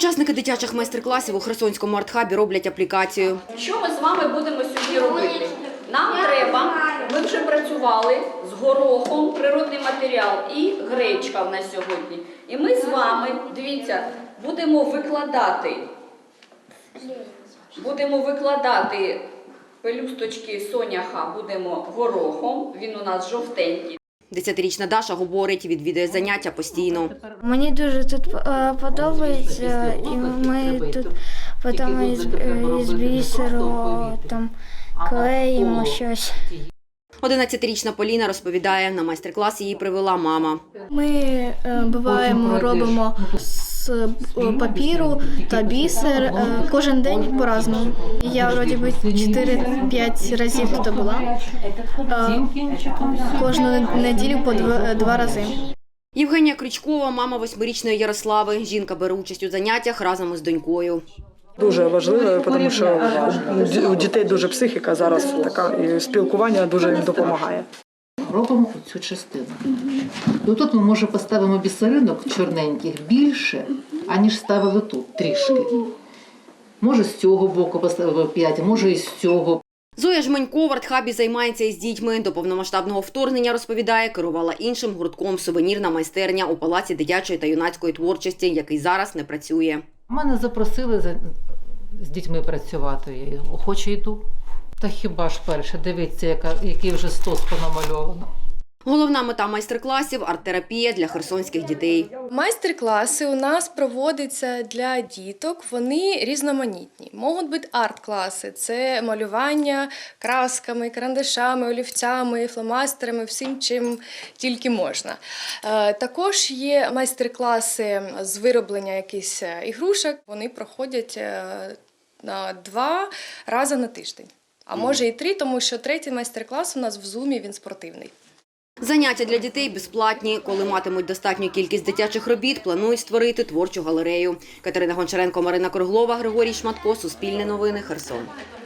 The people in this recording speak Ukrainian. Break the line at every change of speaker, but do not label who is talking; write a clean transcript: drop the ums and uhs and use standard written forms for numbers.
Учасники дитячих майстер-класів у Херсонському арт-хабі роблять аплікацію.
Що ми з вами будемо сьогодні робити? Нам треба, ми вже працювали з горохом, природний матеріал і гречка в нас сьогодні. І ми з вами, дивіться, будемо викладати пелюсточки соняха, будемо горохом, він у нас жовтенький. 10-річна Даша говорить, відвідує заняття постійно.
Мені дуже тут подобається, і ми тут потім із бісеру клеїмо щось.
11-річна Поліна розповідає, на майстер-клас її привела мама.
Ми буваємо, робимо з папіру та бісер кожен день по-разному. Я, вроді би, 4-5 разів тут була. Кожну неділю по 2 рази.
Євгенія Крючкова, мама 8-річної Ярослави. Жінка бере участь у заняттях разом із донькою.
Дуже важливо, тому що у дітей дуже психіка зараз така, і спілкування дуже їм допомагає.
Робимо цю частину. І тут ми, може, поставимо бісеринок чорненьких більше, аніж ставили тут, трішки. Може, з цього боку поставимо 5, може, і з цього.
Зоя Жменько в арт-хабі займається із дітьми. До повномасштабного вторгнення, розповідає, керувала іншим гуртком «Сувенірна майстерня» у Палаці дитячої та юнацької творчості, який зараз не працює.
Мене запросили з дітьми працювати, я охоче йду. Та хіба ж перше, дивіться, який вже стос понамальовано.
Головна мета майстер-класів – арт-терапія для херсонських дітей.
Майстер-класи у нас проводяться для діток, вони різноманітні. Можуть бути арт-класи – це малювання красками, карандашами, олівцями, фломастерами, всім, чим тільки можна. Також є майстер-класи з вироблення якихось ігрушок, вони проходять 2 рази на тиждень. А може і 3, тому що 3-й майстер-клас у нас в Зумі, він спортивний.
Заняття для дітей безплатні. Коли матимуть достатню кількість дитячих робіт, планують створити творчу галерею. Катерина Гончаренко, Марина Круглова, Григорій Шматко, Суспільне новини, Херсон.